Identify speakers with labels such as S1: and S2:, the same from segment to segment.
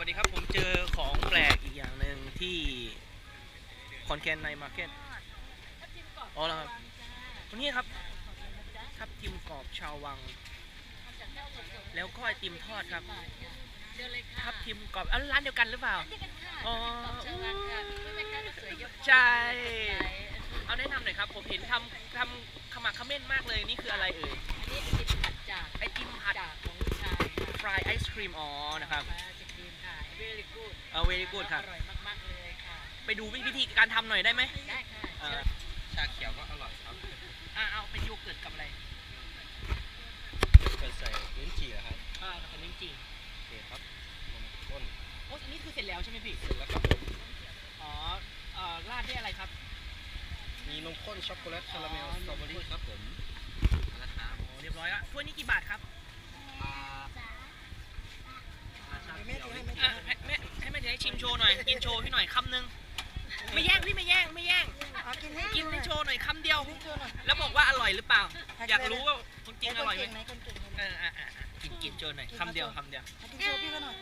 S1: วัสดีครับผมเจอของแปลกอีกอย่างหนึ่งที่คอนแคนในมาร์เก็ตอ๋อแล้วครับตัวนี้ครับทับทิมกรอบชาววังแล้วก็ไอติมทอดครับทับทิมกรอบร้านเดียวกันหรือเปล่าอ๋อใช่เอาแนะนำหน่อยครับผมเห็นทำขมักเขม้นมากเลยนี่คืออะไรเอ่ย
S2: อันนี้ไอติมผัด
S1: ไอติมผัด
S2: ของลูกชาย
S1: ฟรายไอศครีมอ๋อนะครับ
S2: very good
S1: very good ครับ
S2: อร่อยมากๆเลยค่ะ
S1: ไปดูวิธีการทำหน่อยได้ไหม
S2: ได้ค่ะ
S3: ชาเขียวก็อร่อยครับ
S1: เอาเป็นโยเกิร์ตกับอะไร
S3: เกิดใส่ลิ้นจี่ครับ
S1: กับลิ้นจี่
S3: โอเคครับนมข้น
S1: โอ้อันนี้คือเสร็จแล้วใช่ไหมพี่
S3: เสร็จแล้วครับ
S1: อ๋อราดด้วยอะไรครับ
S3: มีนมข้นช็อกโกแลตคาราเมลสตรอเบอรี่ครับผม
S1: นะครับโอ้เรียบร้อยแล้วถ้วยนี้กี่บาทครับให้แม่ให้ชิมโชว์หน่อยกินโชว์พี่หน่อยคำนึงไม่แย่งพี่ไม่แย่งกินให้โชว์หน่อยคำเดียวแล้วบอกว่าอร่อยหรือเปล่าอยากรู้ว่าจริงอร่อยไหมกินโชว์หน่อยคำเดียว
S4: กินโชว์พี่ก็หน่อย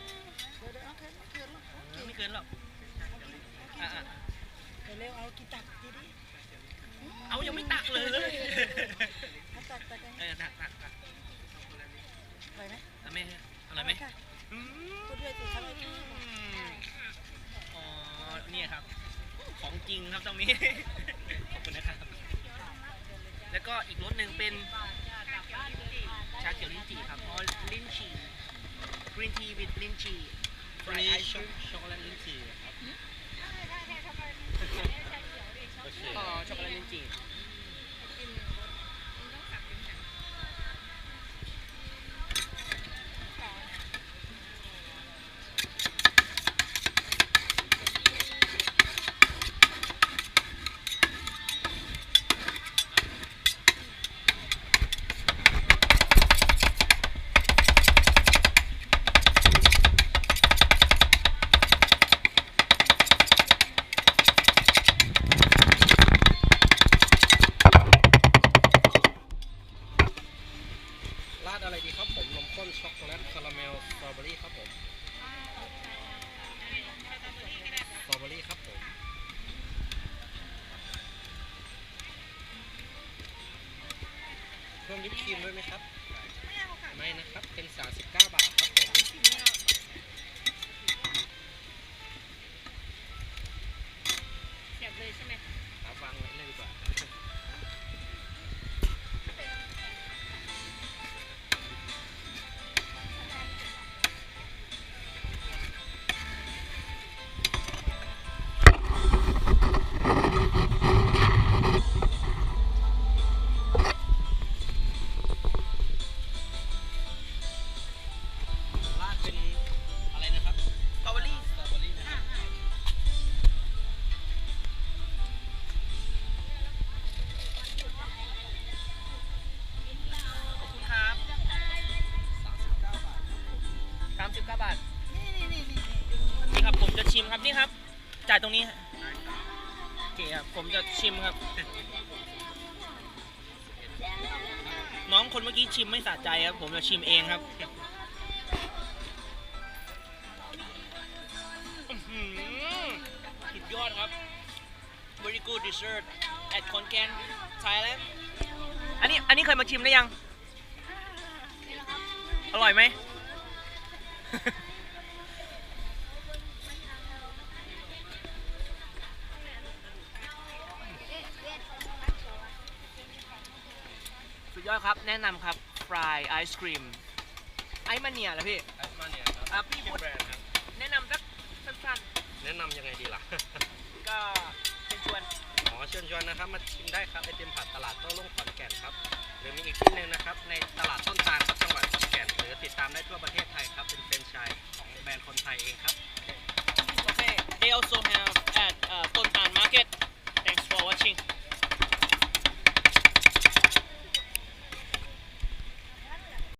S1: ไม่เกินหรอก
S4: เร็วเอากินตักดีดิ
S1: เอายังไม่ตักเลย
S4: ตัก
S1: ตักอ
S4: ร่อยไหม
S1: อะไรไหม
S4: พูดด้วยสิครับ
S1: อ๋อนี่ครับของจริงครับตรงนี้ขอบคุณนะครับแล้วก็อีกรสหนึ่งเป็นชาเขียวลิ้นจี่ครับอ๋อลิ้นจี่ green tea with ลิ้นจี่
S3: วันนี้ช็อกโกแลตลิ้นจี่ครับ
S1: อ๋อช็อกโกแลตลิ้นจี่
S3: ราดอะไรดีครับผมนมข้นช็อกโกแลตคาราเมลสตรอเบอรี่ครับผมสตรอเบอรี่ครับผมเพิ่มวิปครีมด้วยไหมครับไม่นะครับเป็น39 บาทครับผม
S2: เสียบเลยใช่ไหม
S3: ครับวางไว้เลยดีกว่า
S1: 39 บาทนี่ครับผมจะชิมครับนี่ครับจ่ายตรงนี้โอเคครับผมจะชิมครับน้องคนเมื่อกี้ชิมไม่สะใจครับผมจะชิมเองครับสุดยอดครับ very good dessert at Khon Thailand อันนี้เคยมาชิมหรือยังอร่อยไหมสุดยอดครับแนะนำครับฟรายไอศครีมไอมาเนียเหรอพี่
S3: ไอมาเนียครับ
S1: พี่พูดแนะนำสักสั้น
S3: ๆแนะนำยังไงดีล่ะ
S1: ก็เชิญชวน
S3: เชิญชวนนะครับมาชิมได้ครับไอติมผัดตลาดโต้รุ่งขอนแก่นครับหรือมีอีกที่หนึ่งนะครับในตลาดต้นตาลครับจังหวัดขอนแก่นหรือติดตามได้ทั่วประเทศไทยครับเป็นแฟรนไชส์ของแบรนด์คนไทยเองครับ
S1: โอเค they also have